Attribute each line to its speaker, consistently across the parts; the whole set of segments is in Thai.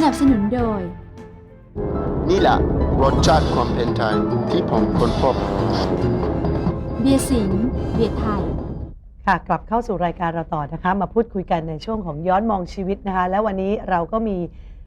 Speaker 1: นับสนุนโดย
Speaker 2: นี่แหละรสชาติความเป็นไทยที่ผมค้นพบ
Speaker 1: เบียร์สิงห์เบียร์ไทย
Speaker 3: ค่ะกลับเข้าสู่รายการเราต่อนะคะมาพูดคุยกันในช่วงของย้อนมองชีวิตนะคะแล้ววันนี้เราก็มี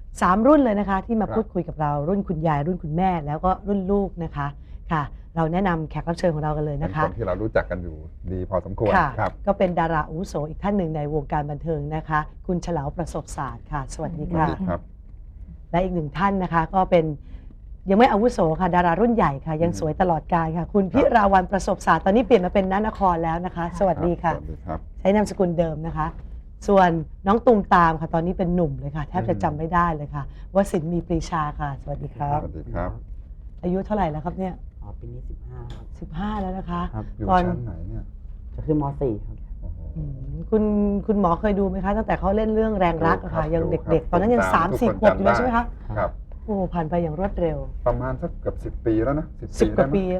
Speaker 3: 3รุ่นเลยนะคะที่มาพูดคุยกับเรารุ่นคุณยายรุ่นคุณแม่แล้วก็รุ่นลูกนะคะค่ะเราแนะนำแขกรับเชิญของเรากันเลยนะคะ
Speaker 4: เป็นคนที่เรารู้จักกันอยู่ดีพอสมควรครับ
Speaker 3: ก็เป็นดาราอาวุโสอีกท่านหนึ่งในวงการบันเทิงนะคะคุณเฉลาวประสบศาสตร์ค่ะสวัสดีค่ะและอีกหนึ่งท่านนะคะก็เป็นยังไม่อาวุโสค่ะดารารุ่นใหญ่ค่ะยังสวยตลอดกาลค่ะคุณพิราวัลย์ประสบศาสตร์ตอนนี้เปลี่ยนมาเป็นณนครแล้วนะคะสวัสดีค่ะใช้นามสกุลเดิมนะคะส่วนน้องตูมตามค่ะตอนนี้เป็นหนุ่มเลยค่ะแทบจะจำไม่ได้เลยค่ะวสินทร์มีปรีชาค่ะสวัสดีครับ
Speaker 4: สวัสดีครับ
Speaker 3: อายุเท่าไหร่แล้วครับเนี่ย
Speaker 5: ปีนี้15ครับ
Speaker 3: 15แล้วนะคะ
Speaker 4: อยู่ชั้นไหนเนี่ย
Speaker 5: จะขึ้นม.4 ครับ
Speaker 3: คุณหมอเคยดูไหมคะตั้งแต่เขาเล่นเรื่องแรงรักอะค่ะยังเด็กๆตอนนั้นยัง3-4 ขวบอยู่เลยใช่ไหมคะ
Speaker 4: ครับ
Speaker 3: โอ้ผ่านไปอย่างรวดเร็ว
Speaker 4: ประมาณสักเกือบ10 ปีแล้วนะ
Speaker 3: 10 กว่าปี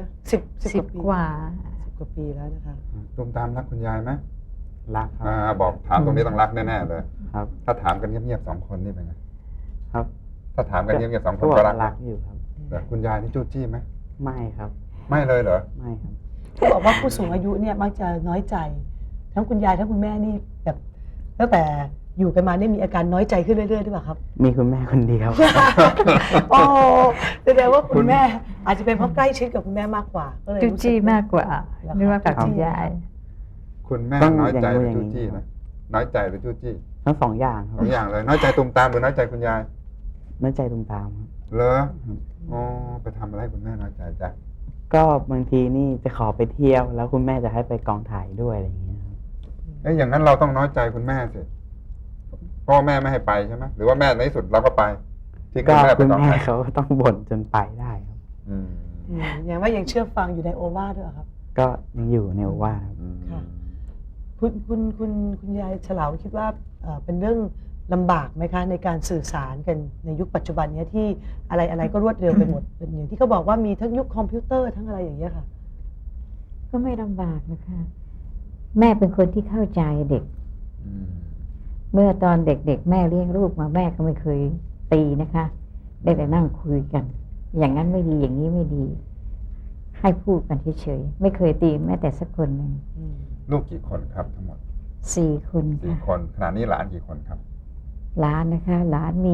Speaker 3: 10 กว่าปีแล้วนะคะ
Speaker 4: ตูมตามรักคุณยายไหม
Speaker 5: รักครับ
Speaker 4: บอกถามตรงนี้ต้องรักแน่ๆเลย
Speaker 5: ครับ
Speaker 4: ถ้าถามกันเงียบๆ2 คนนี่เป็นไง
Speaker 5: ครับ
Speaker 4: ถ้าถามกันเงียบๆ2 คนก็
Speaker 5: รักอยู่ครับ
Speaker 4: แต่คุณยายนี่จู้จี้ไหม
Speaker 5: ไม่ครับ
Speaker 4: ไม่เลยเหรอ
Speaker 5: ไม่ครับ
Speaker 3: เขาบอกว่าผู้สูงอายุเนี่ยมักจะน้อยใจทั้งคุณยายทั้งคุณแม่นี่แบบตั้งแต่อยู่กันมาเนี่ยมีอาการน้อยใจขึ้นเรื่อยๆหรือเปล่าครับ
Speaker 5: มีคุณแม่คนเดียว
Speaker 3: โอ้แสดงว่าคุณแม่อาจจะเป็นเพราะใกล้ชิดกับคุณแม่มากกว่าก็เลย
Speaker 6: จู้จี้มากกว่านึกว่ากับคุณยาย
Speaker 4: คุณแม่น้อยใจหรือจู้จี้นะน้อยใจหรือจู้จี้
Speaker 5: ทั้ง2 อย่างครับ
Speaker 4: 2 อย่างเลยน้อยใจตูมตามหรือน้อยใจคุณยาย
Speaker 5: น้อยใจตูมตาม
Speaker 4: เหรออ๋อไปทำอะไรให้คุณแม่น้อยใจจ๊ะ
Speaker 5: ก็บางทีนี่จะขอไปเที่ยวแล้วคุณแม่จะให้ไปกองถ่ายด้วยอะไรอย่างเงี้ย
Speaker 4: อย่างนั้นเราต้องน้อยใจคุณแม่สิพ่อแม่ไม่ให้ไปใช่ไหมหรือว่าแม่ในที่สุดเราก็ไป
Speaker 5: ที่คุณแม่เขาต้องบ่นจนไปได้ครับ
Speaker 3: อย่างว่ายังเชื่อฟังอยู่ในโอวาทด้วยครับ
Speaker 5: ก็ยังอยู่ในโอวาท
Speaker 3: ค่ะคุณยายเฉลาวคิดว่าเป็นเรื่องลำบากไหมคะในการสื่อสารกันในยุคปัจจุบันนี้ที่อะไรก็รวดเร็วไปหมดเป็นอย่างที่เขาบอกว่ามีทั้งยุคคอมพิวเตอร์ทั้งอะไรอย่างเงี้ยค่ะ
Speaker 6: ก็ไม่ลำบากนะคะแม่เป็นคนที่เข้าใจเด็กเมื่อตอนเด็กๆแม่เลี้ยงลูกมาแม่ก็ไม่เคยตีนะคะได้แต่นั่งคุยกันอย่างนั้นไม่ดีอย่างนี้ไม่ดีให้พูดกันเฉยๆไม่เคยตีแม้แต่สักคนหนึ่ง
Speaker 4: ลูกกี่คนครับทั้งหมด
Speaker 6: 4 คนค่ะ
Speaker 4: 4 คนขณะนี้หลานกี่คนครับ
Speaker 6: หลานนะคะหลานมี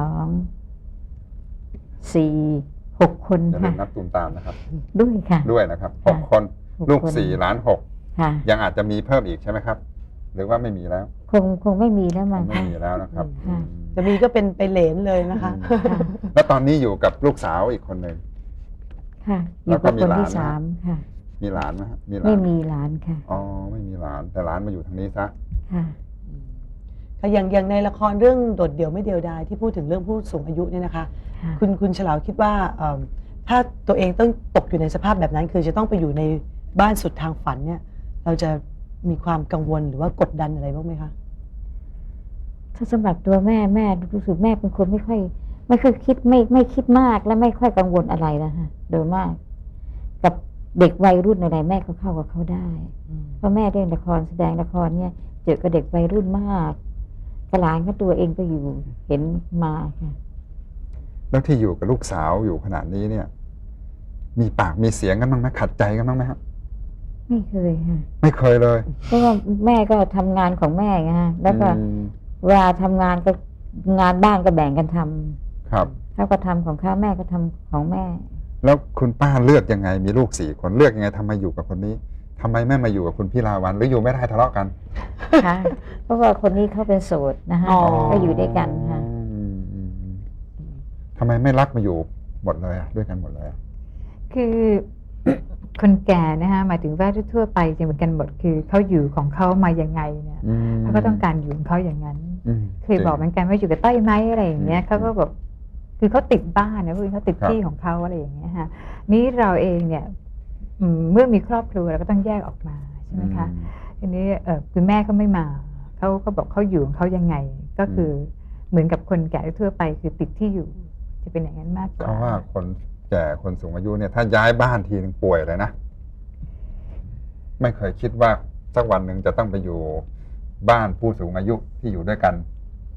Speaker 6: 2 4 6 คน
Speaker 4: ค่ะอย่าลืมนับตูมตามนะครับ
Speaker 6: ด้วยค่ะ
Speaker 4: ด้วยนะครับ6 คนลูก4หลาน6
Speaker 6: ค่ะ
Speaker 4: ยังอาจจะมีเพิ่มอีกใช่ไหมครับหรือว่าไม่มีแล้ว
Speaker 6: คงไม่มีแล้วมั้ง
Speaker 4: ไม่มีแล้วนะครับ
Speaker 3: จะมีก็เป็นไปเหลนเลยนะคะ
Speaker 4: แล้วตอนนี้อยู่กับลูกสาวอีกคนหนึ่ง
Speaker 6: ค่ะอยู่กับคนที่3ค่ะ
Speaker 4: มีหลานไหมครับ
Speaker 6: ไม่มีหลานค่ะ
Speaker 4: อ๋อไม่มีหลานแต่หลานมาอยู่ทางนี้ซะ
Speaker 6: ค่ะ
Speaker 3: อย่างในละครเรื่องโดดเดี่ยวไม่เดียวดายที่พูดถึงเรื่องผู้สูงอายุเนี่ยนะคะคุณเฉลาวคิดว่าถ้าตัวเองต้องตกอยู่ในสภาพแบบนั้นคือจะต้องไปอยู่ในบ้านสุดทางฝันเนี่ยเราจะมีความกังวลหรือว่ากดดันอะไรบ้างไหมคะ
Speaker 6: ถ้าสำหรับตัวแม่รู้สึกแม่เป็นคนไม่ค่อยคิดไม่คิดมากและไม่ค่อยกังวลอะไรนะคะโดยมากกับเด็กวัยรุ่นอะไรแม่ก็เข้ากับเขาได้เพราะแม่เล่นละครแสดงละครเนี่ยเจอกับเด็กวัยรุ่นมากกหลานก็ตัวเองก็อยู่เห็นมาค่ะ
Speaker 4: แล้วที่อยู่กับลูกสาวอยู่ขนาดนี้เนี่ยมีปากมีเสียงกันบ้างไหมขัดใจกันบ้างไหมครับ
Speaker 6: ไม่เคยค่ะ
Speaker 4: ไม่เคยเลย
Speaker 6: เพราะว่าแม่ก็ทำงานของแม่ไงฮะแล้วก็เวลาทำงานก็งานบ้านก็แบ่งกันท
Speaker 4: ำครับ
Speaker 6: เขาก็ทำของเขาแม่ก็ทำของแม่
Speaker 4: แล้วคุณป้าเลือกยังไงมีลูก4 คนเลือกยังไงทำไมอยู่กับคนนี้ทำไมแม่มาอยู่กับคุณพี่ลาวันหรืออยู่ไม่ได้ทะเลาะกัน
Speaker 6: ค่ะเพราะว่าคนนี้เขาเป็นโสดนะคะก็อยู่ด้วยกันค่ะ
Speaker 4: ทำไมไม่รักมาอยู่หมดเลยด้วยกันหมดเลย
Speaker 6: คือคนแก่นะคะหมายถึงว่าทั่วไปจะเหมือนกันหมดคือเขาอยู่ของเขามายังไงเนี่ยเขาก็ต้องการอยู่ของเขาอย่างนั้นเคยบอกเหมือนกันว่าอยู่กับต้อยไหมอะไรอย่างเงี้ยเขาก็แบบคือเขาติดบ้านนะคือเขาติดที่ของเขาอะไรอย่างเงี้ยค่ะนี้เราเองเนี่ยเมื่อมีครอบครัวเราก็ต้องแยกออกมาใช่ไหมคะทีนี้คุณแม่เขาไม่มาเขาบอกเขาอยู่ของเขายังไงก็คือเหมือนกับคนแก่ทั่วไปคือติดที่อยู่จะเป็นอย่างนั้นมากกว่า
Speaker 4: เพราะว่าคนแก่คนสูงอายุเนี่ยถ้าย้ายบ้านทีนึงป่วยเลยนะไม่เคยคิดว่าสักวันหนึ่งจะต้องไปอยู่บ้านผู้สูงอายุที่อยู่ด้วยกัน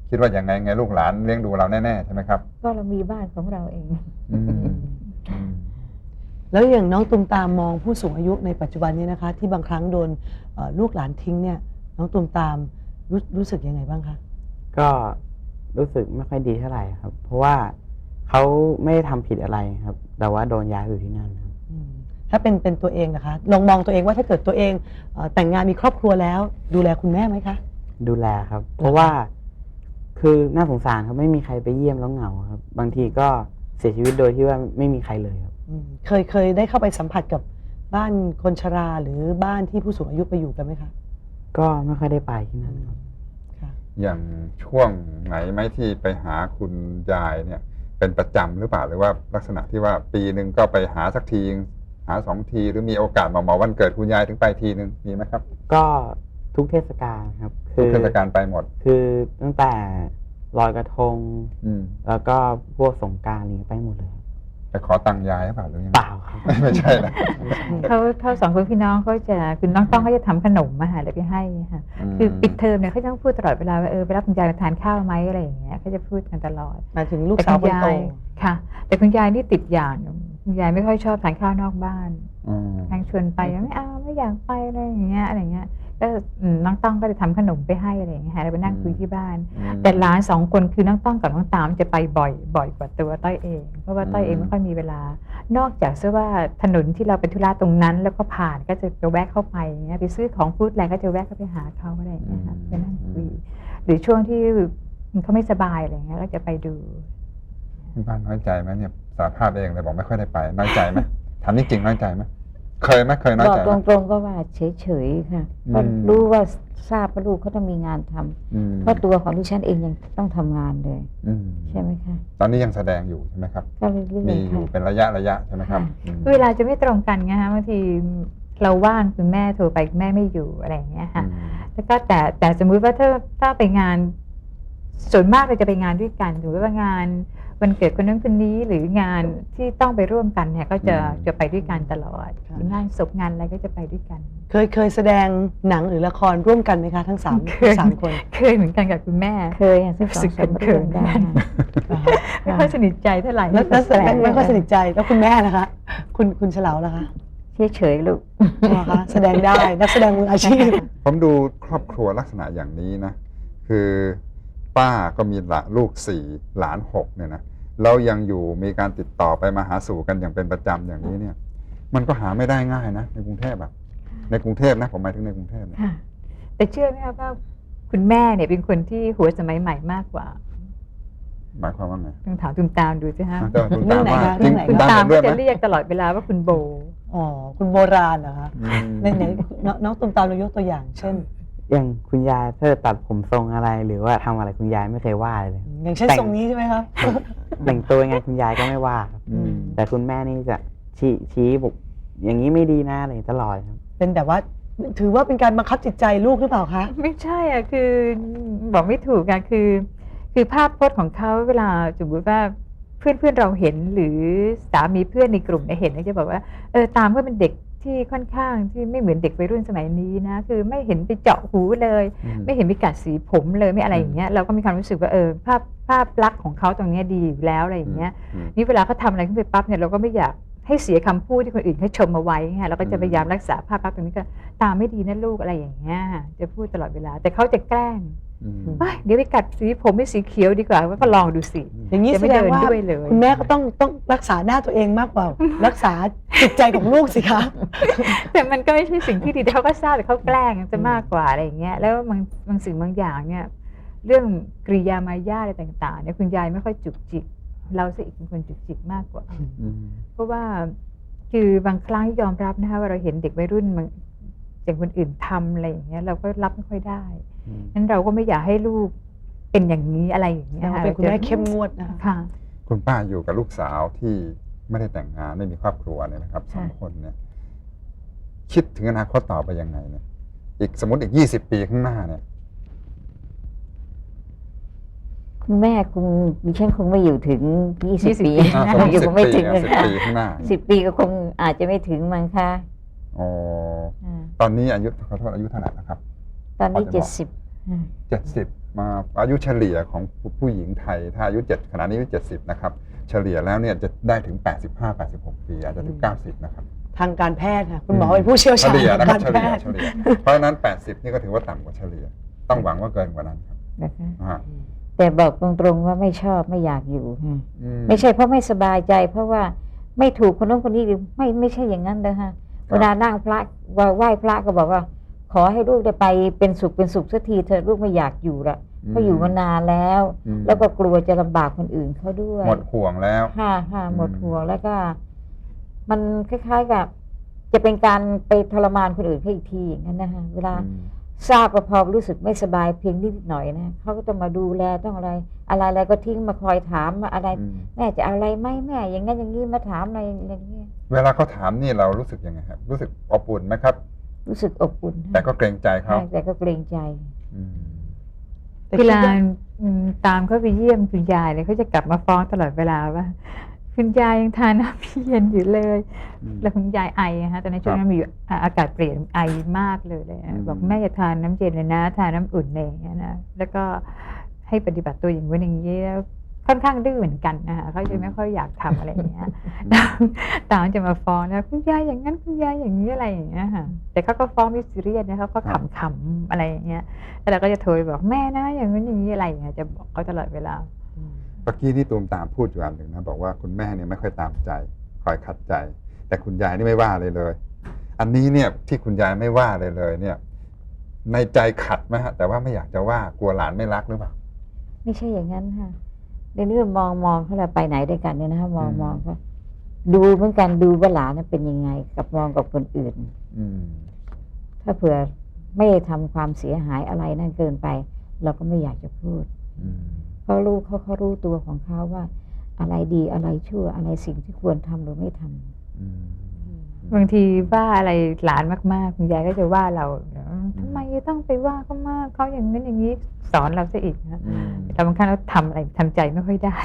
Speaker 4: คิดว่าอย่างไงลูกหลานเลี้ยงดูเราแน่ๆใช่ไหมครับ
Speaker 7: ก็เรามีบ้านของเราเอง
Speaker 4: อืมอืม
Speaker 3: แล้วอย่างน้องตุมตามมองผู้สูงอายุในปัจจุบันนี้นะคะ ที่บางครั้งโดนลูกหลานทิ้งเนี่ยน้องตุมตามรู้สึกยังไงบ้างคะ
Speaker 5: ก็รู้สึกไม่ค่อยดีเท่าไหร่ครับ เพราะว่าเขาไม่ได้ทำผิดอะไรครับ แต่ว่าโดนย้ายไปอยู่ที่นั่นครับ
Speaker 3: ถ้าเป็นตัวเองนะคะลองมองตัวเองว่าถ้าเกิดตัวเองแต่งงานมีครอบครัวแล้ว ดูแลคุณแม่ไหมคะ
Speaker 5: ดูแลครับ เพราะว่าคือน่าสงสารครับไม่มีใครไปเยี่ยมแล้วเหงาครับ บางทีก็เสียชีวิตโดยที่ว่าไม่มีใครเลยครับ
Speaker 3: เคยได้เข้าไปสัมผัสกับบ้านคนชราหรือบ้านที่ผู้สูงอายุไปอยู่กันไหมคะ
Speaker 5: ก็ไม่ค่อยได้ไปที่นั่นครับ
Speaker 3: ค่ะ
Speaker 4: อย่างช่วงไหนไหมที่ไปหาคุณยายเนี่ย เป็นประจำหรือเปล่าหรือว่าลักษณะที่ว่าปีหนึ่งก็ไปหาสักทีหา2 ทีหรือมีโอกาสมาวันเกิดคุณยายถึงไปทีหนึ่งมีไหมครับ
Speaker 5: ก็ทุกเทศกาลครับ
Speaker 4: ทุกเทศกาลไปหมด
Speaker 5: คือตั้งแต่ลอยกระทง
Speaker 4: อืม
Speaker 5: แล้วก็พวกสงกรานต์นี้ไปหมดเลยครับ
Speaker 4: ไปขอตังค์ยายหรือเปล่าหรือยังไง
Speaker 5: เปล่าครับ
Speaker 4: ไม่ใช่นะ
Speaker 6: เขาสองคนพี่น้องเขาจะคือน้องต้องเขาจะทำขนมมาหาแล้วไปให้ค่ะคือปิดเทอมเนี่ยเขาจะต้องพูดตลอดเวลาว่าไปรับคุณยายมาทานข้าวไหมอะไรอย่างเงี้ยเขาจะพูดกันตลอด
Speaker 3: หมายถึงลูกสาวคนโต
Speaker 6: ค่ะ แต่คุณยายนี่ติดอย่างหนึ่งคุณยายไม่ค่อยชอบทานข้าวนอกบ้าน
Speaker 4: อืม
Speaker 6: ทางชวนไปไม่เอาไม่อยากไปอะไรอย่างเงี้ยก็น้องต้องก็จะทำขนมไปให้อะไรอย่างเงี้ยแล้วไปนั่งคุยที่บ้าน แต่หลาน2 คนคือน้องต้องกับน้องตามจะไปบ่อยกว่าตัวต้อยเอง เพราะว่าต้อยเองไม่ค่อยมีเวลา นอกจากเสื้อว่าถนนที่เราไปธุระตรงนั้น แล้วก็ผ่านก็จะแวะเข้าไปอย่างเงี้ยไปซื้อของฟู้ดแลนด์ก็จะแวะเข้าไปหาเขาอะไรอย่างเงี้ยค่ะไปนั่งคุยหรือช่วงที่เขาไม่สบายอะไรอย่างเงี้ยก็จะไปดู
Speaker 4: คุณป้าน้อยใจไหมเนี่ยสารภาพเองเลยบอกไม่ค่อยได้ไปน้อยใจไหมถามจริงๆน้อยใจไหมเคยน้อย
Speaker 7: บอก
Speaker 4: ใจไหม
Speaker 7: ตรงๆก็ว่าเฉยๆค่ะ
Speaker 4: อืม
Speaker 7: ก็รู้ว่าทราบว่าลูกเขาต้องมีงานทำ
Speaker 4: อืม
Speaker 7: เพราะตัวของดิฉันเองยังต้องทำงานเลย
Speaker 4: อืม
Speaker 7: ใช่ไหมคะ
Speaker 4: ตอนนี้ยังแสดงอยู่ใช่ไหมครับ
Speaker 7: ก็เรื่อย
Speaker 4: มี
Speaker 7: ๆ
Speaker 4: อยู่
Speaker 7: ค่ะ
Speaker 4: เป็นระยะใช่ไหมครับอืม
Speaker 6: เวลาจะไม่ตรงกันไงฮะบางทีเราว่างคุณแม่โทรไปคุณแม่ไม่อยู่อะไรอย่างเงี้ยค่ะ แล้วก็แต่สมมุติว่าถ้าไปงานส่วนมากเราจะไปงานด้วยกันหรือว่างานวันเกิดคนนั้นคนนี้หรืองานที่ต้องไปร่วมกันเนี่ยก็จะไปด้วยกันตลอดงานศพงานอะไรก็จะไปด้วยกัน
Speaker 3: เคยแสดงหนังหรือละครร่วมกันไหมคะทั้งสามคน
Speaker 6: เคยเหมือนกันกับคุณแม่
Speaker 7: เคยอย่างซึ่ง
Speaker 6: รู้สึก
Speaker 7: 2-3
Speaker 6: เขิ
Speaker 7: เรื่อน ง
Speaker 6: ๆ
Speaker 7: ได้
Speaker 6: ไม่ค่อยสนิทใจเท่าไหร่
Speaker 3: แล้วแสดงไม่ค่อยสนิทใจแล้วคุณแม่นะคะ คุณเฉลาวล่ะคะ
Speaker 7: เฉยๆลูก
Speaker 3: อ๋อคะแสดงได้นักแสดงมืออาชีพ
Speaker 4: ผมดูครอบครัวลักษณะอย่างนี้นะ คือป้าก็มีลูก4 หลาน 6เนี่ยนะแล้วยังอยู่มีการติดต่อไปมาหาสู่กันอย่างเป็นประจำอย่างนี้เนี่ย มันก็หาไม่ได้ง่ายนะในกรุงเทพแบบในกรุงเทพนะผมหมายถึงในกรุงเทพเนี่ย
Speaker 6: ค่ะแต่เชื่อไหมคะว่าคุณแม่เนี่ยเป็นคนที่หัวสมัยใหม่มากกว่า
Speaker 4: หมายความว่าไง
Speaker 6: ต้องถามตุ้มตามดูสิฮะ
Speaker 4: แต่คุณตามว่า
Speaker 3: เรื่
Speaker 4: จริ
Speaker 3: อง
Speaker 4: ง
Speaker 3: ไหน
Speaker 4: คุณ
Speaker 3: คะ
Speaker 4: ตาม
Speaker 6: ตาม
Speaker 4: เห็นด้วยไหม
Speaker 6: ก็จะเรียกตลอดเวลาว่าคุณโบ
Speaker 3: อ๋อคุณโบราณเหรอคะ
Speaker 4: อืม
Speaker 3: ไหนน้องตุมตามเรายกตัวอย่าง เช่น
Speaker 5: อย่างคุณยายถ้าตัดผมทรงอะไรหรือว่าทำอะไรคุณยายไม่เคยว่าเลย
Speaker 3: อย่างเช่นทรงนี้ใช่ไหมครับ
Speaker 5: แต่งตัวยังไงคุณยายก็ไม่ว่าครับ
Speaker 4: อืม
Speaker 5: แต่คุณแม่นี่จะชี้บอกอย่างนี้ไม่ดีนะอะไรตลอดครับ
Speaker 3: เป็นแบบว่าถือว่าเป็นการบังคับจิตใจลูกหรือเปล่าคะ
Speaker 6: ไม่ใช่อ่ะคือบอกไม่ถูกอ่ะคือภาพพจน์ของเขาเวลาสมมติว่าเพื่อนเราเห็นหรือสามีเพื่อนในกลุ่มเนี่ยเห็นเนี่ยจะบอกว่าตามก็เป็นเด็กที่ค่อนข้างที่ไม่เหมือนเด็กวัยรุ่นสมัยนี้นะคือไม่เห็นไปเจาะหูเลย ไม่เห็นไปกัดสีผมเลยไม่อะไรอย่างเงี้ยเราก็มีความรู้สึกว่าภาพลักษณ์ของเขาตรงเนี้ยดีอยู่แล้วอะไรอย่างเงี้ย นี่เวลาเขาทำอะไรขึ้นไปปั๊บเนี่ยเราก็ไม่อยากให้เสียคำพูดที่คนอื่นเขาชมมาไว้ไงเราก็จะพยายามรักษาภาพลักษณ์ตรงนี้ก็ตามไม่ดีนะลูกอะไรอย่างเงี้ยจะพูดตลอดเวลาแต่เขาจะแกล้ง
Speaker 4: อืม
Speaker 6: เฮ้ยเดี๋ยวไปกัดสีผมให้สีเขียวดีกว่าก็ลองดูสิ
Speaker 3: อย่างนี้
Speaker 6: จะ
Speaker 3: แส
Speaker 6: ไม่
Speaker 3: ด
Speaker 6: เดิ
Speaker 3: ง
Speaker 6: น
Speaker 3: ว่า
Speaker 6: ด้วยเลย
Speaker 3: คุณแม่ก็ต้องรักษาหน้าตัวเองมากกว่า รักษาจิตใจของลูกสิคะ
Speaker 6: แต่มันก็ไม่ใช่สิ่งที่ดีแต่เขาก็ทราบแต่เขาแกล้งจะมากกว่าอะไรอย่างเงี้ยแล้วบางสิ่งบางอย่างเนี่ยเรื่องกริยามารยาทอะไรต่างๆเนี่ยคุณยายไม่ค่อยจุกจิกเราซะอีกเป็นคนจุกจิกมากกว่า
Speaker 4: อืม
Speaker 6: เพราะว่าคือบางครั้งยอมรับนะคะว่าเราเห็นเด็กวัยรุ่นมันอย่างคนอื่นทำอะไรอย่างเงี้ยเราก็รับไม่ค่อยได้นั้นเราก็ไม่อยากให้ลูกเป็นอย่างนี้อะไรอย่างเงี้ยค่ะ
Speaker 3: เป็นคุณแม่เข้มงวดนะคะ
Speaker 6: ค่ะ
Speaker 4: คุณป้าอยู่กับลูกสาวที่ไม่ได้แต่งงานไม่มีครอบครัวเนี่ยนะครับ2 คนเนี่ย คิดถึงอนาคตต่อไปยังไงเนี่ยอีกสมมติอีก20 ปีข้างหน้าเนี่ย
Speaker 7: คุณแม่ดิฉันคงไม่อยู่ถึง20 ปี
Speaker 4: สมมติ
Speaker 7: อยู่คงไม่ถึง
Speaker 4: 10
Speaker 7: ค่ะ
Speaker 4: ปีข้างหน้า
Speaker 7: 10 ปีก็คงอาจจะไม่ถึงมั้งคะ
Speaker 4: อ๋อ
Speaker 7: อ่า
Speaker 4: ตอนนี้อายุขอโทษอายุเท่าไหร่นะครับ
Speaker 7: ตอนนี้
Speaker 4: พอจะบอก
Speaker 7: 70
Speaker 4: 70 มาอายุเฉลี่ยของผู้หญิงไทยถ้าอายุขณะนี้อายุ70นะครับเฉลี่ยแล้วเนี่ยจะได้ถึง85-86 ปีอาจจะถึง90นะครับ
Speaker 3: ทางการแพทย์ค่ะคุณหมอเป็นผู้เชี่ยว
Speaker 4: เฉ
Speaker 3: ชาญ
Speaker 4: ลี่ย
Speaker 3: ทาง
Speaker 4: นะครับ
Speaker 3: การ
Speaker 4: เฉ
Speaker 3: แพ
Speaker 4: ลี่ย
Speaker 3: ทย์
Speaker 4: เฉลี่ยเพราะฉะนั้น80นี่ก็ถือว่าต่ำกว่าเฉลี่ยต้องหวังว่าเกินกว่านั้นครับ
Speaker 6: นะคะ
Speaker 4: อ่า
Speaker 7: แต่บอกตรงๆว่าไม่ชอบไม่อยากอยู่ค่ะ
Speaker 4: อื
Speaker 7: ไม่ใช่เพราะไม่สบายใจ เพราะว่าไม่ถูกคนนู้นคนนี้หรือไม่ใช่อย่างนั้นเลยค่ะเวลานั่งพระไหว้พระก็บอกว่า ขอให้ลูกได้ไปเป็นสุขสักทีเถอะลูกไม่อยากอยู่ละเพราะอยู่มานานแล้ว แล้วก็กลัวจะลำบากคนอื่นเขาด้วย
Speaker 4: หมดห่วงแล้ว
Speaker 7: ค่ะหมดห่วงแล้วก็ มันคล้ายๆกับ จะเป็นการไปทรมานคนอื่นเขาอีกทีอย่างนั้นนะคะเวลาทราบว่าพอรู้สึกไม่สบายเพียงนิดหน่อยนะเขาก็ต้องมาดูแลต้องอะไรก็ทิ้งมาคอยถามมาอะไร แม่จะเอาอะไรไหมแม่อย่างนั้นอย่างนี้มาถามอะไรอย่างนี้
Speaker 4: เวลาเขาถามนี่เรารู้สึกยังไงครับรู้สึกอบอุ่นไหมครับ
Speaker 7: รู้สึกอบอุ่น
Speaker 4: แต่ก็เกรงใจเขา
Speaker 7: ใช่แต่ก็เกรงใจ
Speaker 4: อืม
Speaker 3: แต่คิ
Speaker 6: เว
Speaker 3: ด
Speaker 6: ลา
Speaker 3: ว่า
Speaker 6: ตามเขาไปเยี่ยมคุณยายเลยเขาจะกลับมาฟ้องตลอดเวลาว่า คุณยายยังทานน้ำพี่เย็นอยู่เลย แล้วคุณยายไอฮะตอนนั้นช่วงนั้นมีอยู่อากาศเปลี่ยนไอมากเลยบอกแม่อย่าทานน้ำเย็นเลยนะทานน้ำอุ่นเลยอย่างเงี้ยนะแล้วก็ให้ปฏิบัติตัวอย่างนี้อย่างนี้แล้วค่อนข้างดื้อเหมือนกันนะคะเขาจะไม่ค่อยอยากทำอะไรอย่างเงี้ยตามจะมาฟ้องนะคุณยายอย่างนั้นคุณยายอย่างนี้อะไรอย่างเงี้ยค่ะแต่เขาก็ฟ้องไม่ซีเรียสนะเขาก็ขำๆอะไรอย่างเงี้ยแล้วเราก็จะโทรไปบอกแม่นะอย่างนั้นอย่างนี้อะไรอย่างเงี้ยจะบอกเขาตลอดเวลา
Speaker 4: เมื่อกี้ที่ตูมตามพูดอยู่อันหนึ่งนะบอกว่าคุณแม่เนี่ยไม่ค่อยตามใจคอยขัดใจ แต่คุณยายนี่ไม่ว่าเลยเลย อันนี้เนี่ยที่คุณยายไม่ว่าเลยเนี่ย ในใจขัดไหมฮะแต่ว่าไม่อยากจะว่ากลัวหลานไม่รักหรือเปล่า
Speaker 7: ไม่ใช่อย่างนั้นค่ะในเรื่องมองเขาเราไปไหนด้วยกันเนี่ยนะคะมองเขาดูเหมือนกันดูว่าหลานเป็นยังไงกับมองกับคนอื่น
Speaker 4: อืม
Speaker 7: ถ้าเผื่อไม่ทำความเสียหายอะไรนั่นเกินไป เราก็ไม่อยากจะพูด
Speaker 4: อืม
Speaker 7: เพราะลูกเขารู้ตัวของเขาว่า อะไรดีอะไรชั่วอะไรสิ่งที่ควรทำหรือไม่ทำ
Speaker 4: อืม
Speaker 6: บางทีว่าอะไรหลานมากๆคุณยายก็จะว่าเราทำไมต้องไปว่าเขามากเขาอย่างนั้นอย่างนี้สอนเราซะอีกนะแต่บางครั้งเราทำอะไรทำใจไม่ค่อยได้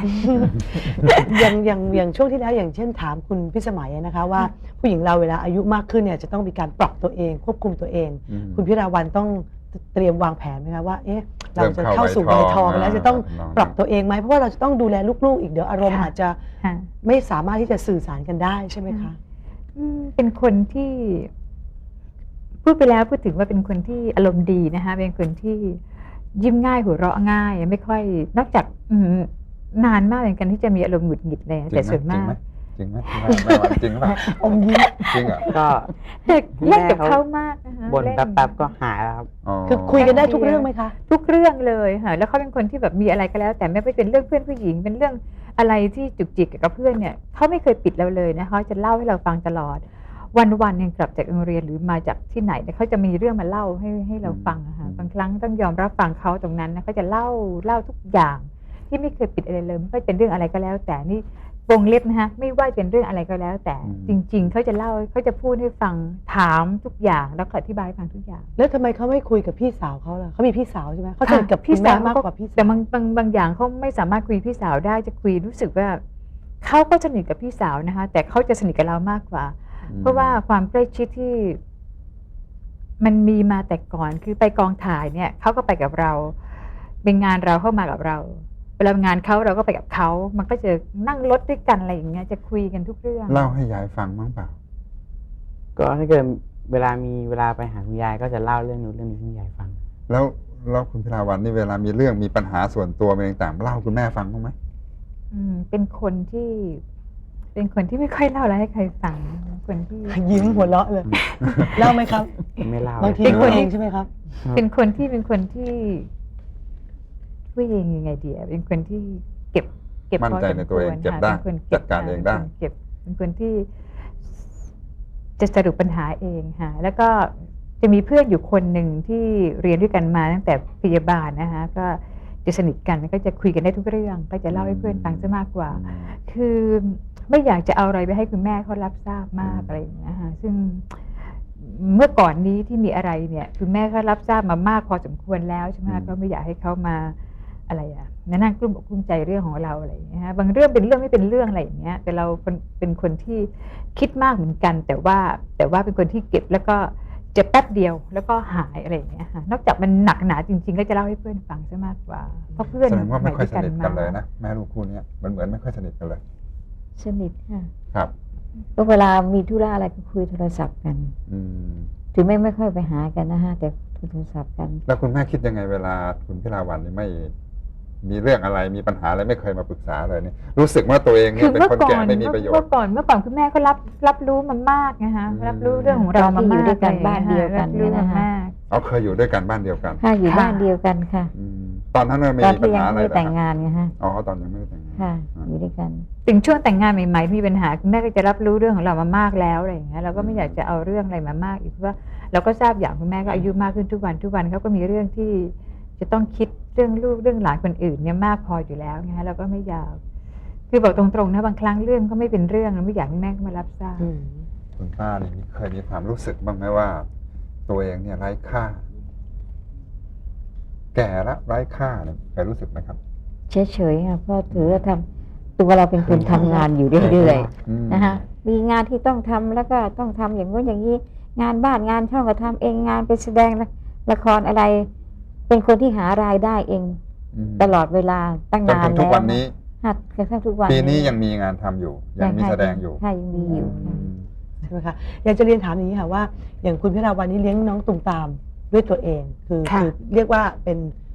Speaker 3: อย่างช่วงที่แล้วอย่างเช่นถามคุณพิสมัยนะคะว่าผู้หญิงเราเวลาอายุมากขึ้นเนี่ยจะต้องมีการปรับตัวเองควบคุมตัวเอง คุณพิราวันต้องเตรียมวางแผนไหมคะว่าเอ๊ะเราจะเข้าสู่วัยทองแล้วจะต้องปรับตัวเองไหมเพราะว่าเราจะต้องดูแลลูกๆอีกเดี๋ยวอารมณ์
Speaker 6: ค่ะ
Speaker 3: อาจจะ
Speaker 6: ค่ะ
Speaker 3: ไม่สามารถที่จะสื่อสารกันได้ใช่ไหมคะ
Speaker 6: เป็นคนที่พูดไปแล้วพูดถึงว่าเป็นคนที่อารมณ์ดีนะคะเป็นคนที่ยิ้มง่ายหัวเราะง่ายไม่ค่อยนอกจากนานมากเหมือนกันที่จะมีอารมณ์หงุดหงิดเลยแต่ส่วนมาก
Speaker 4: จริงไหมแม่วันจริงหรือเปล่า
Speaker 3: อมยิ้ม
Speaker 4: จริงเหรอ
Speaker 5: ก็
Speaker 6: เล่นกับเขามากนะคะ
Speaker 5: บ่น
Speaker 6: เล่น
Speaker 5: แป๊บๆก็หายแล้วครับ
Speaker 3: คือคุยกันได้ทุกเรื่องไหมคะ
Speaker 6: ทุกเรื่องเลยค่ะแล้วเขาเป็นคนที่แบบมีอะไรก็แล้ว แต่ไม่เป็นเรื่องเพื่อนผู้หญิงเป็นเรื่องอะไรที่จุกจิกกับเพื่อนเนี่ยเขาไม่เคยปิดเราเลยนะคะจะเล่าให้เราฟังตลอดวันๆยังกลับจากโรงเรียนหรือมาจากที่ไหนเนี่ยเขาจะมีเรื่องมาเล่าให้เราฟังนะคะบางครั้งต้องยอมรับฟังเขาตรงนั้นนะเขาจะเล่าทุกอย่างที่ไม่เคยปิดอะไรเลยไม่ว่าเป็นเรื่องอะไรก็แล้ว แต่นี่วงเล็บนะคะไม่ว่าเป็นเรื่องอะไรก็แล้ว แต่จริง ๆเขาจะเล่าเขาจะพูดให้ฟังถามทุกอย่างแล้วก็อธิบายให้ฟังทุกอย่าง
Speaker 3: แล้วทำไมเขาไม่คุยกับพี่สาวเขาล่ะเขามีพี่สาวใช่ไหมเขาสนิทกับพี่สาวมากกว่าพี่สาว
Speaker 6: แต่บางอย่างเขาไม่สามารถคุยพี่สาวได้จะคุยรู้สึกว่าเขาก็สนิทกับพี่สาวนะคะแต่เขาจะสนิทกับเรามากกว่า เพราะว่าความใกล้ชิดที่มันมีมาแต่ก่อนคือไปกองถ่ายเนี่ยเขาก็ไปกับเราเป็นงานเราเข้ามากับเราเวลางานเขาเราก็ไปกับเขามันก็จะนั่งรถด้วยกันอะไรอย่างเงี้ยจะคุยกันทุกเรื่อง
Speaker 4: เล่าให้ยายฟังบ้างเปล่า
Speaker 5: ก็ถ้าเกิดเวลาไปหาคุณยายก็จะเล่าเรื่องนู้นเรื่องนี้ให้คุณยายฟัง
Speaker 4: แล้วคุณพิราวันนี่เวลามีเรื่องมีปัญหาส่วนตัวเป็นต่างๆเล่าคุณแม่ฟังบ้างไหม
Speaker 6: เป็นคนที่ไม่ค่อยเล่าอะไรให้ใครฟังคนที่
Speaker 3: ยิ้มหัวเราะเลยเล่าไหมครับ
Speaker 5: ไม่เล่า
Speaker 3: บางที
Speaker 6: เป็น
Speaker 3: พู
Speaker 6: ค
Speaker 3: ด
Speaker 6: น
Speaker 3: เองใช่ไหมครับ
Speaker 6: เป็นคนที่ผู้หญิงยังไงดีเป็นคนที่เก็บ
Speaker 4: มั่นใจในตัวเอง
Speaker 6: พสมควร
Speaker 4: เก็บได้
Speaker 6: ค่ะเป็นคน
Speaker 4: จัดการเองได้
Speaker 6: เป็นคนที่จะสรุปปัญหาเองค่ะแล้วก็จะมีเพื่อนอยู่คนหนึ่งที่เรียนด้วยกันมาตั้งแต่พยาบาลนะคะก็จะสนิทกันก็จะคุยกันได้ทุกเรื่องก็จะเล่าให้เพื่อนฟังซะมากกว่า คือไม่อยากจะเอาอะไรไปให้คุณแม่เขารับทราบมากอะไรอย่างเงี้ยค่ะซึ่งเมื่อก่อนนี้ที่มีอะไรเนี่ยคุณแม่เขารับทราบมามากพอสมควรแล้วใช่ไหมก็ไม่อยากให้เขามาอะไรนั่งกลุ้มอกกลุ้มใจเรื่องของเราอะไรอย่างเงี้ยบางเรื่องเป็นเรื่องไม่เป็นเรื่องอะไรอย่างเงี้ยแต่เราเป็นคนที่คิดมากเหมือนกันแต่ว่าเป็นคนที่เก็บแล้วก็เจ็บแป๊บเดียวแล้วก็หายอะไรอย่างเงี้ยค่ะนอกจากมันหนักหนาจริงๆ ก็จะเล่าให้เพื่อนฟังซะมากกว่าเพราะเพื่อน
Speaker 4: แสดงว่าไม่ค่อยส
Speaker 6: สมั
Speaker 4: นิท
Speaker 6: ด้ว
Speaker 4: กันเลยนะแม่ลูกคู่เนี้ยมันเหมือนไม่ค่อยสนิทกันเลย
Speaker 7: สนิทค่ะ
Speaker 4: ครับ
Speaker 7: ก็เวลามีธุระอะไรก็คุยโทรศัพท์กัน
Speaker 4: อืม
Speaker 7: ถึงไม่ค่อยไปหากันนะฮะแต่คุยโทรศัพท์กัน
Speaker 4: แล้วคุณแม่คิดยังไงเวลาคุณพิลาวันนี่ไม่มีเรื่องอะไรมีปัญหาอะไรไม่เคยมาปรึกษาเลยเนี่ยรู้สึกว่าตัวเองเนี่ยเป็นคนแก่ไม่มีประโยชน์
Speaker 6: เมื่อก่อนคุณแม่ก็รับรู้มามากนะคะรับรู้เรื่องของเรามามาก
Speaker 7: ตอนที่อยู่ด้วยกันบ้านเดียวกัน
Speaker 6: รับรู้
Speaker 7: เนี่ย
Speaker 6: มา
Speaker 7: นะคะ
Speaker 6: มาก
Speaker 4: เขาเคยอยู่ด้วยกันบ้านเดียวกัน
Speaker 7: ค่ะอยู่บ้านเดียวกันค่ะ
Speaker 4: อืมตอนนั้นไม่
Speaker 7: ตอน
Speaker 4: มีปัญ
Speaker 7: ที่ยัง
Speaker 4: หาอะไร
Speaker 7: ไม่
Speaker 4: เหรอ
Speaker 7: แต่ง
Speaker 4: ครับ
Speaker 7: งานไงฮะ
Speaker 4: อ๋อตอนยังไม่ได้แต่งงาน
Speaker 7: ค่ะ อยู่ด้วยกัน
Speaker 6: ถึงช่วงแต่งงานใหม่ๆมีปัญหาคุณแม่ก็จะรับรู้เรื่องของเรามามากแล้วอะไรอย่างเงี้ยเราก็ไม่อยากจะเอาเรื่องอะไรมามากอีกเพราะว่าเราก็ทราบอย่างคุณแม่ก็อายุมากขึ้นทุกวันเขาก็มีเรื่องที่จะต้องคิดเรื่องลูกเรื่องหลานคนอื่นเนี่ยมากพออยู่แล้วไงฮะเราก็ไม่อยากคือบอกตรงๆนะบางครั้งเรื่องก็ไม่เป็นเรื่องเราไม่อยากให้แม่มารับทราบ
Speaker 4: คุณป้านี่เคยมีความรู้สึกบ้างไหมว่า ตัวเองเนี่ยไร้ค่า แก่แล้วไร้ค่าเนี่ยเคยรู้สึกไหมครับ
Speaker 7: เฉยๆค่ะเพราะถือว่าทำตัวเราเป็นคนทำงานอยู่เรื่อยๆนะคะมีงานที่ต้องทำแล้วก็ต้องทำอย่างนู้นอย่างนี้งานบ้านงานช่องก็ทำเองงานไปแสดงละครอะไร เป็นคนที่หารายได้เอง ตลอดเวลาตั้ง
Speaker 4: จน
Speaker 7: นาน
Speaker 4: ถึงทุกวันนี้
Speaker 7: หัดกระทั่งทุกวัน
Speaker 4: ปีนี้ยังมีงานทำอยู่ ยังมีแสดงอยู่
Speaker 7: ค่ะยังมีอยู่ค่ะ
Speaker 3: ใช่ไหมคะอยากจะเรียนถามอย่างนี้ค่ะว่าอย่างคุณพิราวันนี้เลี้ยงน้องตุมตามด้วยตัวเองคือ
Speaker 6: ค่ะ
Speaker 3: เรียกว่าเป็น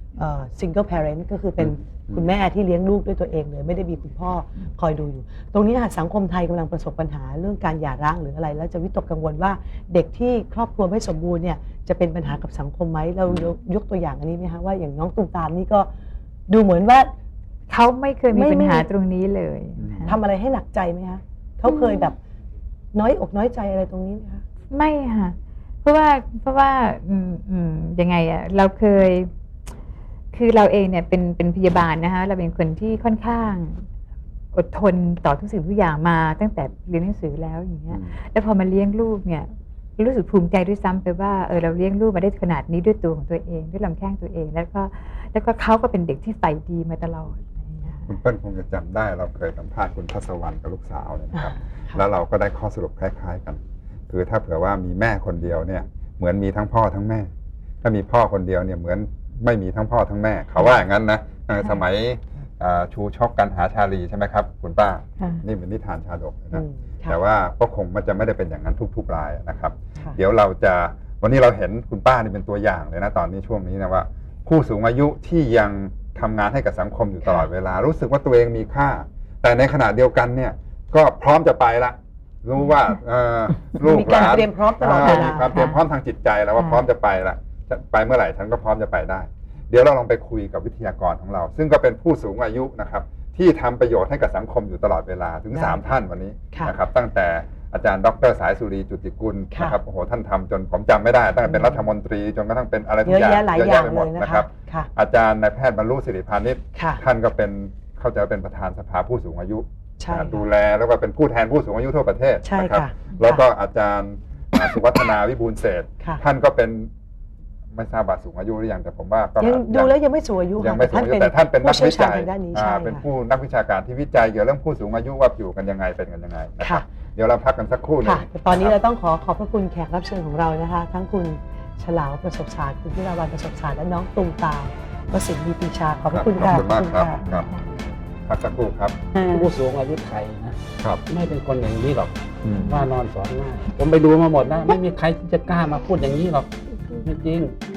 Speaker 3: single parent ก็คือเป็นคุณแม่ที่เลี้ยงลูกด้วยตัวเองเลยไม่ได้มีคุณพ่อคอยดูอยู่ ตรงนี้ค่ะสังคมไทยกำลังประสบปัญหาเรื่องการหย่าร้างหรืออะไร แล้วจะวิตกกังวลว่าเด็กที่ครอบครัวไม่สมบูรณ์เนี่ยจะเป็นปัญหากับสังคมไหมเรายกตัวอย่างอันนี้ไหมคะว่าอย่างน้องตุมตามนี่ก็ดูเหมือนว่า
Speaker 6: เขาไม่เคยมี
Speaker 3: ไม่
Speaker 6: ปัญหา
Speaker 3: ไม่
Speaker 6: ตรงนี้เลย
Speaker 3: ทำอะไรให้หนักใจไหมคะเขาเคยแบบน้อยอกน้อยใจอะไรตรงนี้ไหมคะ
Speaker 6: ไม่ค่ะเพราะว่ายังไงอะเราเคยคือเราเองเนี่ยเป็นพยาบาลนะคะเราเป็นคนที่ค่อนข้างอดทนต่อทุกสิ่งทุกอย่างมาตั้งแต่เรียนหนังสือแล้วอย่างเงี้ยแล้วพอมาเลี้ยงลูกเนี่ยรู้สึกภูมิใจด้วยซ้ำไปว่าเราเลี้ยงลูกมาได้ขนาดนี้ด้วยตัวของตัวเองด้วยลำแข้งตัวเองแล้วก็เขาก็เป็นเด็กที่ใฝ่ดีมาตลอดอะไรอย่างเงี้ย
Speaker 4: คุณเปิ้ลคงจะจำได้เราเคยสัมภาษณ์คุณทัศวรรณกับลูกสาวเนี่ยนะครับ แล้วเราก็ได้ข้อสรุปคล้ายๆกัน คือถ้าเผื่อว่ามีแม่คนเดียวเนี่ยเหมือนมีทั้งพ่อทั้งแม่ ถ้ามีพ่อคนเดียวเนี่ยเหมือนไม่มีทั้งพ่อทั้งแม่ เขาว่าอย่างนั้นนะสมัยชูชกกันหาชาลีใช่ไหมครับคุณป้า
Speaker 7: ค่ะ
Speaker 4: นี่เป็นนิทานชาดกเลยนะ
Speaker 3: ค่ะ
Speaker 4: แต่ว่าก็คงมันจะไม่ได้เป็นอย่างนั้นทุกๆรายนะครับ
Speaker 3: ค่ะ
Speaker 4: เดี๋ยวเราจะวันนี้เราเห็นคุณป้านี่เป็นตัวอย่างเลยนะตอนนี้ช่วงนี้นะว่า ผู้สูงอายุที่ยังทำงานให้กับสังคมอยู่ตลอดเวลา รู้สึกว่าตัวเองมีค่า แต่ในขณะเดียวกันเนี่ยก็พร้อมจะไปละรู้ว่าลูก
Speaker 3: มี
Speaker 4: ห
Speaker 3: การ
Speaker 4: ลาน
Speaker 3: เตรียมพร้อมตลอดเวลา
Speaker 4: มีความเตรียมพร้อมทางจิตใจแล้วว่าพร้อมจะไปละจะไปเมื่อไหร่ฉันก็พร้อมจะไปได้ เดี๋ยวเราลองไปคุยกับวิทยากรของเรา ซึ่งก็เป็นผู้สูงอายุนะครับที่ทำประโยชน์ให้กับสังคมอยู่ตลอดเวลาถึง
Speaker 3: ได้
Speaker 4: 3 ท่านวันนี้
Speaker 3: ค่ะ
Speaker 4: นะครับตั้งแต่อาจารย์ดร.สายสุรีจุติกุล
Speaker 3: ค่ะ
Speaker 4: นะครับโอ้โหท่านทำจนผมจำไม่ได้ตั้งแต่เป็นรัฐมนตรีจนกระทั่งเป็นอะไรทุ
Speaker 3: เย
Speaker 4: ก
Speaker 3: อะ
Speaker 4: อย่าง
Speaker 3: แยะหลาย
Speaker 4: เยอะ
Speaker 3: อย่าง
Speaker 4: แยะไปห
Speaker 3: เล
Speaker 4: มด
Speaker 3: ยนะ
Speaker 4: นะค
Speaker 3: คะ
Speaker 4: รับ
Speaker 3: ค่ะ
Speaker 4: อาจารย์นายแพทย์บรรลุสิริพานิช
Speaker 3: ค่ะ
Speaker 4: ท่านก็เป็นเข้าใจว่าเป็นประธานสภาผู้สูงอายุ
Speaker 3: ใช่ค่ะ
Speaker 4: ดูแลแล้วก็เป็นผู้แทนผู้สูงอายุทั่วประเทศ
Speaker 3: ใช่
Speaker 4: นะครับ
Speaker 3: ค่ะ
Speaker 4: แล้วก็อาจารย์สุวัฒนาวิบูลย์เศรษฐ์
Speaker 3: ค่ะ
Speaker 4: ท่านก็เป็นไม่ทราบว่าสูงอายุหรือยังแต่ผมว่าก็
Speaker 3: ยังดูแล้วยังไม่สูงอายุ
Speaker 4: ยังไม่สูงอายุ
Speaker 3: ค่ะ
Speaker 4: แต่ท่านเป็นนัก
Speaker 3: ผู้
Speaker 4: วิ
Speaker 3: เชี่ยวชา
Speaker 4: จั
Speaker 3: ญ
Speaker 4: ย
Speaker 3: ทางด้านนี้ใช่
Speaker 4: เป็น
Speaker 3: ค่ะ
Speaker 4: ผู้นักวิชาการที่วิจัยเกี่ยวกับเรื่องผู้สูงอายุว่าอยู่กันยังไงเป็นกันยังไงนะครั
Speaker 3: ค่ะ
Speaker 4: บเดี๋ยวเราพักกันสักครู่หนึง
Speaker 3: ค่ะแต่ตอนนี้
Speaker 4: ะค
Speaker 3: เรา
Speaker 4: รับ
Speaker 3: ต้องขอบพระคุณแขกรับเชิญของเรานะคะ ทั้งคุณฉลาวประสบศาสตร์คุณพิราวันประสบศาสตร์และน้องตุมตามวสินทร์มีปีชาขอบพระคุณ
Speaker 4: ขอบ
Speaker 3: ค่ะ
Speaker 4: คุณมากครับ
Speaker 3: ขอณ
Speaker 4: ครับ พักสักครู่ครับ
Speaker 8: ผู้สูงอายุไทยนะครับ ไม่เป็นคนอย่างนี้หรอก
Speaker 4: อืม
Speaker 8: ว่านอนสอนง่ายผมไปดูมาหมดนะไม่มีใครที่จะกล้ามาพูดอย่างนี้หรอกไม่จริง